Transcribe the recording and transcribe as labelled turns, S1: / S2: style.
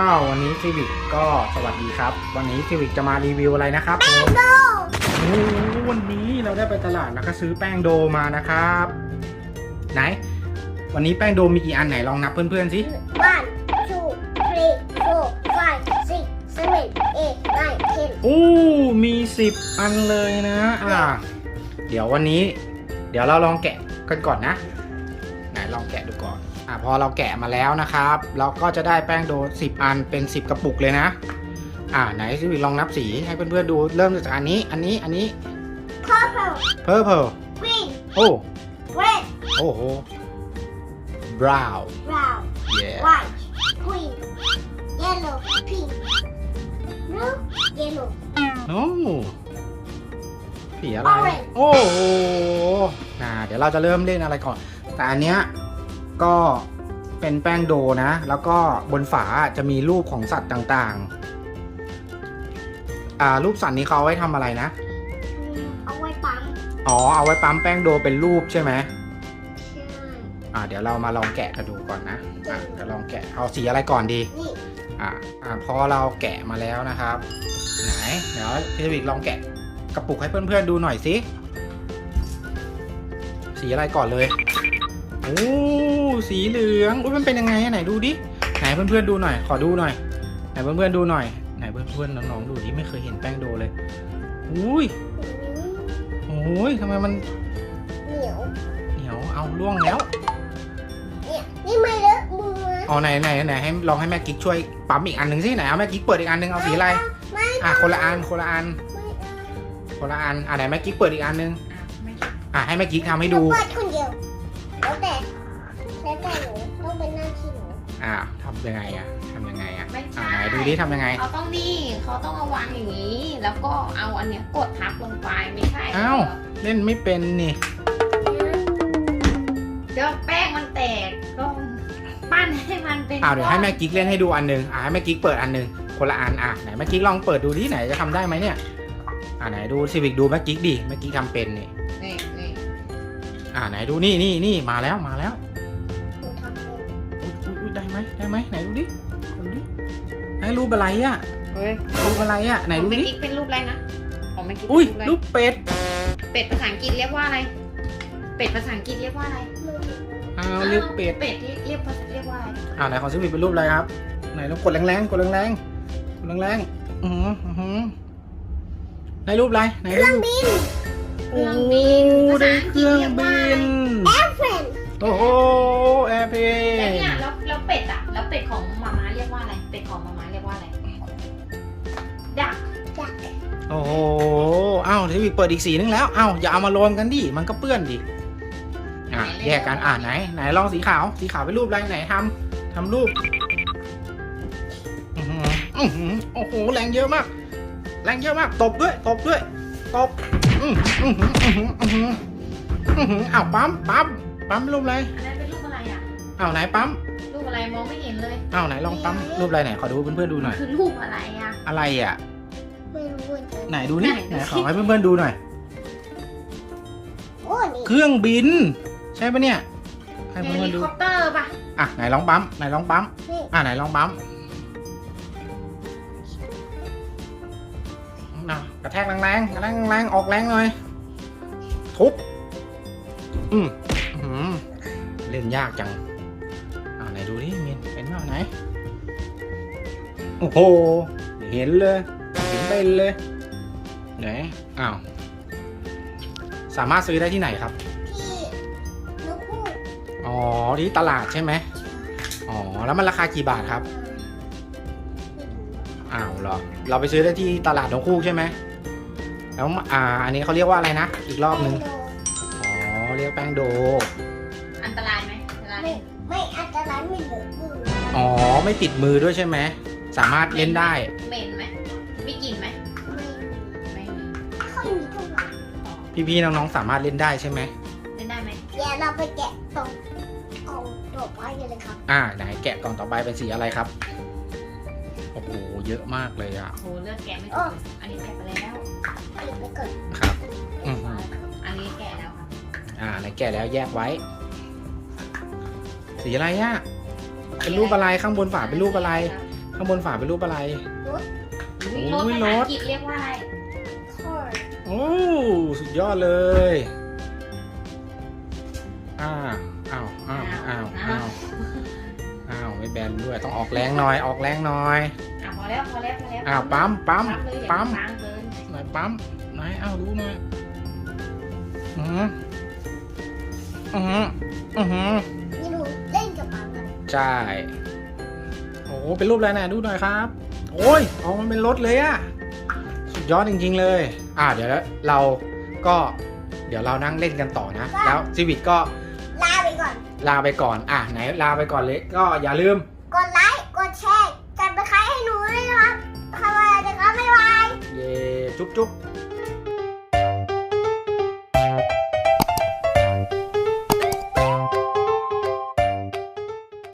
S1: วันนี้ซีวิกก็สวัสดีครับวันนี้ซีวิกจะมารีวิวอะไรนะครับแป้งโดวันนี้เราได้ไปตลาดแล้วก็ซื้อแป้งโดมานะครับไหนวันนี้แป้งโดมีกี่อันไหนลองนับเพื่อนๆสิ
S2: 1 2 3 4 5 6 7 8 9 10
S1: โอ้มี10อันเลยนะเดี๋ยววันนี้เดี๋ยวเราลองแกะกันก่อนนะไหนลองแกะดูก่อนพอเราแกะมาแล้วนะครับเราก็จะได้แป้งโด10อันเป็น10กระปุกเลยนะไหนซีวิกลองนับสีให้เพื่อนๆดูเริ่มจากอันนี้purple
S2: green
S1: โอ้
S2: red
S1: โอ้โห brown
S2: brown
S1: yeah
S2: white green yellow pink blue yellow
S1: โอ้สีอะไร
S2: Orange
S1: โอ้โหเดี๋ยวเราจะเริ่มเล่นอะไรก่อนแต่อันเนี้ยก็เป็นแป้งโดนะแล้วก็บนฝาจะมีรูปของสัตว์ต่างๆรูปสัตว์นี้เขาเอาไว้ทำอะไรนะ
S2: เอาไว้ปั๊ม
S1: เอาไว้ปั๊มแป้งโดเป็นรูปใช่ไหม
S2: ใช่
S1: เดี๋ยวเรามาลองแกะกันดูก่อนนะจะลองแกะเอาสีอะไรก่อนดี
S2: นี่
S1: พอเราแกะมาแล้วนะครับไหนเดี๋ยวพี่วิกลองแกะกระปุกให้เพื่อนๆดูหน่อยสิสีอะไรก่อนเลยโอ้สีเหลืองมันเป็นยังไงไหนดูดิไหนเพื่อนๆดูหน่อยขอดูหน่อยไหนเพื่อนๆดูหน่อยไหนเพื่อนๆน้องๆดูดิไม่เคยเห็นแป้งโดเลยอุ้ยโอ้ยทำไมมัน
S2: เหนียว
S1: เอาล่วงแล้ว
S2: เนี่ยนี่ไม่เลอะมือ
S1: ไหนให้ลองให้แม่กิ๊กช่วยปั๊มอีกอันหนึ่งสิไหนเอาแม่กิ๊กเปิดอีกอันหนึ่งเอาสีอะไรคนละอันไหนแม่กิ๊กเปิดอีกอันหนึ่งให้แม่กิ๊กทำให้ดู
S2: เปิดคนเดียวแล้วแต่หนูต้องเป็นหน้าที่หนู
S1: ทำยังไง
S3: ไม่ใช่
S1: ไหนดูดิทำยังไง
S3: เขาต้องเอาวางอย่างนี้แล้วก็เอาอันเนี้ยกดทับลงไปไม่ใช่
S1: เล่นไม่เป็นนี่
S3: เดี๋ยวแป้งมันแตกก็ปั้นให้มันเป็น
S1: เดี๋ยวให้แม่กิ๊กเล่นให้ดูอันหนึ่งให้แม่กิ๊กเปิดอันหนึ่งคนละอันไหนแม่กิ๊กลองเปิดดูที่ไหนจะทำได้ไหมเนี่ยไหนดูซีวิกดูแม่กิ๊กดิแม่กิ๊กทำเป็นนี่ไหนดูนี่มาแล้วได้ไหมไหนดูดิไหนรูปอะไรรูปอะไรไหนดูดิ
S3: เป็นรูปอะไรนะของแม่กิ๊ก
S1: รูปเป็ด
S3: ภาษาอังกฤษเรียกว่าอะไรเป็ดภาษาอังกฤษเรียกว่าอะไร
S1: เรียกเป็ด
S3: ที่เรียกว่าอะไร
S1: ไหนของซีวิกเป็นรูปอะไรครับไหนลองกดแรงในรูปอะไรไหน
S2: เครื่องบิน
S1: ได้เครื่องบิน
S2: แอร์เพลน
S1: โอ้โหแอร์เพลน
S3: แล้วเนี่ยแล้วเป็ดแล้วเป็ดของมาม่าเรียกว่าอะไรเป็ดของมาม่าเรียกว่าอะไรดัก
S1: โอ้โหทีวีเปิดอีกสีนึงแล้วอย่าเอามารวมกันดิมันก็เปื้อนดิแยกกันไหนลองสีขาวเป็นรูปอะไรไหนทำรูปโอ้โหแรงเยอะมากตบด้วยตบปั๊มรูปอะไร
S3: อันนั้นเป็นรูปอะไร
S1: ไหนปั๊ม
S3: รูปอะไรมองไม่เห็นเลย
S1: ไหนลองปั๊มรูปอะไรไหนขอดูเพื่อนๆดูหน่อย
S3: คือรูปอะไร
S1: อะไร
S2: ไม่รู้
S1: ไหนดูนี่ไหนขอให้เพื่อนๆดูหน่อย เครื่องบินใช่ปะเนี่ยให้เพื่อนๆดู
S3: เฮลิคอปเตอร์ป่ะ
S1: ไหนลองปั๊มไหนลองปั๊มกระแทกแรงออกแรงหน่อยทุบเล่นยากจังไหนดูดิมินเป็นเปล่าไหนโอ้โหเห็นเป็นเลยไหนสามารถซื้อได้ที่ไหนครับที่ตลาดใช่ไหมแล้วมันราคากี่บาทครับเหรอเราไปซื้อได้ที่ตลาดนกฮูกใช่ไหมแล้วอันนี้เขาเรียกว่าอะไรนะอีกรอบนึงเรียกแป้งโด
S3: อันตรายไหม
S2: ไม่อันตรายไม่เหลือมือ
S1: ไม่ติดมือด้วยใช่ไหมสามารถเล่นได้
S3: เหม็นไหมมีกลิ่นไหมไม่
S2: ค่อยมีเท่าไหร่
S1: พี่ๆน้องๆสามารถเล่นได้ใช่ไหม
S3: เล่นได้ไหม
S2: เดี๋ยวเราไปแกะตรงกล่องต่อไปเลยครับ
S1: ไหนแกะกล่องต่อไปเป็นสีอะไรครับโอ้โหเยอะมากเลย
S3: โอ้เลือกแกะไม่ถูกอันนี้แกะไปแล้ว
S1: ครับ
S3: อันนี้แกะแล้วครับ
S1: ไหนแกะแล้วแยกไว้สีอะไรเป็นรูปอะไรข้างบนฝาเป็นรูปอะไรข้ข้างบนฝาเป็นรูปอะไร
S2: รถ
S3: อุ๊ยรถภาษาอังกฤษเรียกว่าอะไร
S2: car
S1: โอ้สุดยอดเลย อ้าวอ้าวอ้าวอ้าวอ้าวอ้าวไม่แบนด้วยต้องออกแรงหน่อยออกแรงหน่อย
S3: พอแล้วพอแล้วพอแล้ว
S1: อ้าวปั๊มปั๊ม
S3: เลยอย่า
S1: ปั๊ม
S3: ค้างเกิน
S1: หน่อยปั๊มไหนอ้าวดูหน่อยอือหืออือหืออือหือ
S2: นี่หนูเล่นกับมันกัน
S1: ใช่โอ้เป็นรูปอะไรนะดูหน่อยครับ โอ้ยออกมาเป็นรถเลยอะสุดยอดจริงๆเลย เดี๋ยวเราก็เดี๋ยวเรานั่งเล่นกันต่อนะ แล้วซีวิตก็
S2: ลาไปก่อน
S1: ลาไปก่อนไหนลาไปก่อนเลยก็อย่าลืม
S2: กดไลค์กดแชร์กันไปใครให้หนูด้วยนะครับทำอะไรนะครับบ๊ายบาย
S1: เย่จุ๊บจุ๊บ
S2: บ๊าย